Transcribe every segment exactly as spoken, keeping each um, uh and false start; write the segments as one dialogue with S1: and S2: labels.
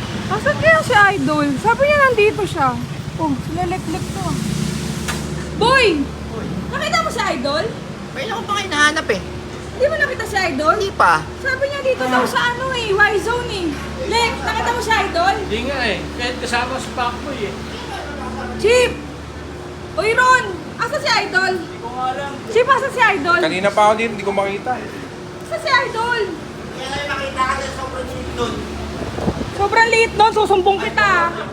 S1: Asan kaya si Idol? Sabi niya nandito siya. Oh, silalek-lek to. Boy! Nakita mo si Idol?
S2: Kailan ko pa kayo nahanap eh?
S1: Hindi mo nakita si Idol?
S2: Hindi pa.
S1: Sabi niya dito daw sa ano eh, Y-Zone eh. Lek, nakita mo si Idol?
S3: Hindi nga eh. Kahit kasama si Pacboy eh.
S1: Chip! Uy Ron! Asa si Idol?
S3: Hindi ko nga alam.
S1: Chip, asa si Idol?
S4: Kanina pa ako dito, hindi ko makita.
S1: Asa si Idol?
S2: Kaya lang makita ka sa sobrang sinip doon.
S1: Sobrang liit nun, susumbong kita.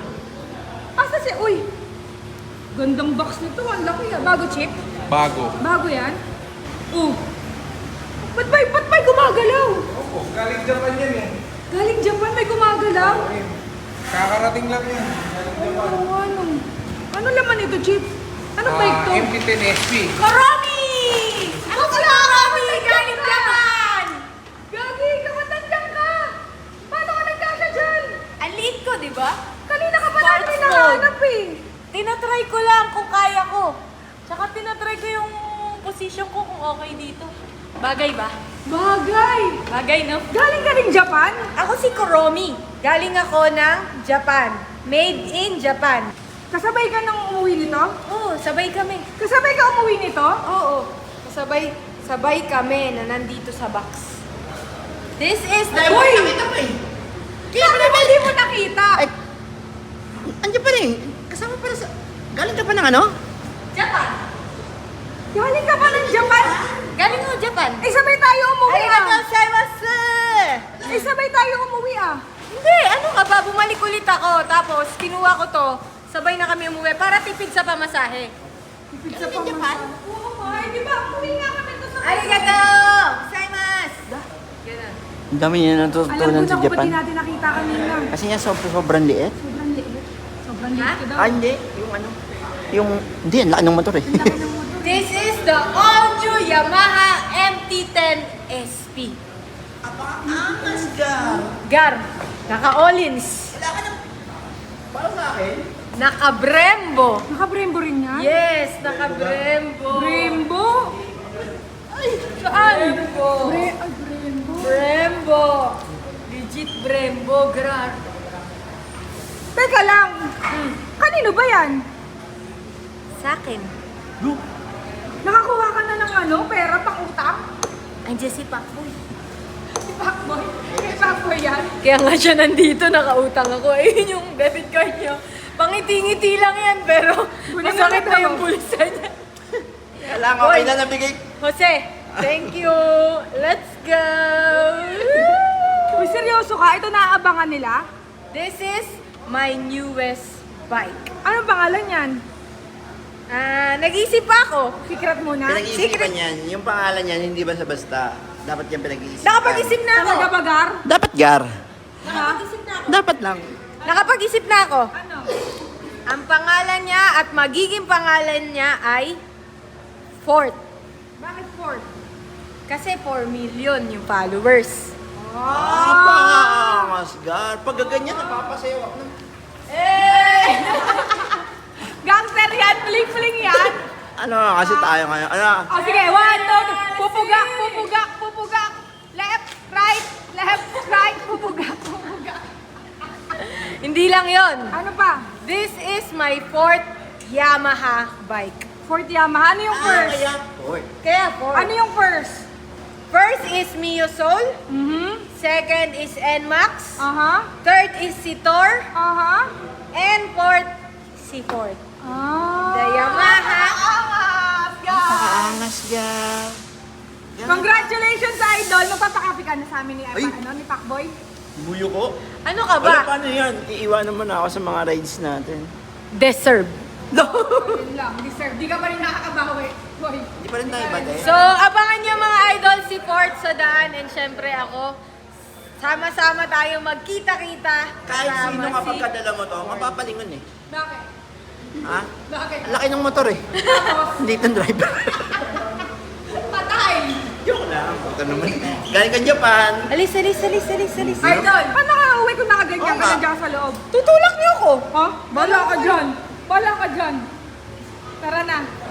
S1: Asa si... Uy! Gandang box nito, ang laki ah. Bago, Chip?
S4: Bago.
S1: Bago yan? Oh! Ba't may, ba't may gumagalaw?
S4: Opo, galing Japan yan eh.
S1: Galing Japan, may gumagalaw?
S4: Kakarating lang yan. Galing Japan.
S1: Ano, ano? Ano laman ito, Chip? Anong bike to?
S4: Ah, M T ten S P.
S1: Koromi! Ako si Koromi! Galing Japan! Gagi, kamatandang ka! Paano ka nagkasya dyan?
S5: Ang liit ko, di ba?
S1: Kanina ka pa namin
S5: Sports
S1: hinahanap eh.
S5: Tinatry ko lang kung kaya ko. Tsaka tinatry ko yung position ko kung okay dito. Bagay ba?
S1: Bagay!
S5: Bagay, no?
S1: Galing ka rin Japan?
S5: Ako si Koromi. Galing ako ng Japan. Made in Japan.
S1: Kasabay ka nang umuwi nito?
S5: Oo, sabay kami.
S1: Kasabay ka umuwi nito?
S5: Oo, sabay, sabay kami na nandito sa box. This is the...
S2: Dahil mo nakita pa eh.
S1: Sabi mo, hindi mo nakita.
S2: Ay, andiyan pa rin. Kasama pala sa... Galing ka pa ng ano?
S5: Japan.
S1: Galing ka pa ng Japan?
S5: Galing ako Japan.
S1: Eh, sabay tayo umuwi
S5: Ay,
S1: ah.
S5: gozaimasu!
S1: Eh, sabay tayo umuwi ah.
S5: Hindi, ano ka ba? Bumalik ulit ako. Tapos, kinuha ko to. Sabay na kami umuwi para tipid sa pamasahe.
S1: Sa Japan? Oo nga, eh, di ba? Umuwi nga kami to sa
S5: Arigato! Gozaimasu! Ganun.
S2: Ang dami niya
S1: Alam
S2: natutunan
S1: ko na
S2: sa
S1: kung ba't di
S2: Japan.
S1: natin nakita kanina.
S2: Kasi niya sobrang, sobrang liit.
S1: Sobrang liit. Sobrang
S5: Ha?
S1: liit ko daw.
S2: Ah, hindi. Yung ano. Yung... Hindi, ang laki ng motor eh.
S1: Laki ng motor.
S5: This is the all-new Yamaha M T ten S P.
S2: Angas ka.
S5: Gar, naka-Olins,
S2: Wala ka ng... Para sa akin?
S5: naka-Brembo.
S1: Naka-Brembo rin yan?
S5: Yes, naka-Brembo.
S1: Brembo?
S5: Ay, saan? Brembo.
S1: Bre ay, Brembo.
S5: Brembo. Legit Brembo, Gar.
S1: Teka lang. Kanino ba yan?
S5: Sa akin.
S1: Nakakuha ka na ng ano, pera pang utang?
S5: Andiyan si Pacboy.
S1: Si Pacboy. Si Pacboy yan?
S5: Kaya nga siya nandito, nakautang ako. Ayun yung debit card niya. Pangiti-ngiti lang yan, pero
S1: Bulan
S5: masakit
S1: na
S5: na
S1: daw.
S5: yung bulsa niya.
S2: Kailangan ko
S5: Boy.
S2: na nabigay.
S5: Jose, thank you. Let's go.
S1: Uy, seryoso ka? Ito naaabangan nila?
S5: This is my newest bike.
S1: Anong pangalan yan?
S5: Ah, nag-isip pa ako.
S1: Secret muna?
S2: Pinag-iisipan yan. Yung pangalan yan, hindi basta-basta. Dapat yan pinag-iisipan.
S5: Nakapag-isip na ako.
S1: Talaga bagar?
S2: Dapat gar.
S1: Ha?
S2: Dapat lang.
S5: Nakapag-isip na ako.
S1: Ano?
S5: Ang pangalan niya at magiging pangalan niya ay Fort.
S1: Bakit Ford?
S5: Kasi four million yung followers.
S2: Ah, pangas gar. Pag gaganyan, napapasayaw ako ng...
S5: Eh!
S1: Gangster yan? Fling-fling yan?
S2: Ano kasi tayo ngayon? Ano?
S1: O sige, one, two, three. Pupugak, pupugak, pupugak. Left, right, left, right, pupugak, pupugak.
S5: Hindi lang yon.
S1: Ano pa?
S5: This is my fourth Yamaha bike.
S1: Ford Yamaha. Ano yung first?
S2: kaya... Oy.
S5: Kaya fourth.
S1: Ano yung first?
S5: First is Mio Soul.
S1: Mhm.
S5: Second is N-Max.
S1: Aha.
S5: Third is Citor.
S1: Aha.
S5: And fourth, si Ford.
S1: Ah.
S5: The Yamaha.
S1: Angas, guys.
S2: Pangas gar.
S1: Congratulations, Idol. Magpapakapi ka na sa amin ni,
S2: Ay.
S1: ano, ni Pacboy.
S2: Buyo ko.
S5: Ano ka
S2: Wala,
S5: ba?
S2: paano yan? Iiwanan mo na ako sa mga rides natin.
S5: Deserve.
S1: Yun lang. Deserve. Di ka pa rin nakakabawi. Boy.
S2: Hindi pa rin tayo ba,
S5: So, abangan niyo mga idol si Fort sa daan and syempre ako. Sama-sama tayo magkita-kita.
S2: Kahit
S5: kasama
S2: sino
S5: si-
S2: kapag kadala mo to, mapapalingon eh.
S1: Bakit?
S2: Ha?
S1: Bakit?
S2: Ang laki ng motor eh. Hindi itong driver.
S1: Patay!
S2: Joke lang. Ito naman. Galing ka Japan.
S5: Alis, alis, alis, alis, alis.
S1: Idol, paano ka uwi kung nakaganyan
S2: Oo
S1: ka
S2: nga.
S1: na dyan sa loob?
S5: Tutulak niyo ako.
S1: Ha? Bala ka dyan. Bala ka dyan. Tara na.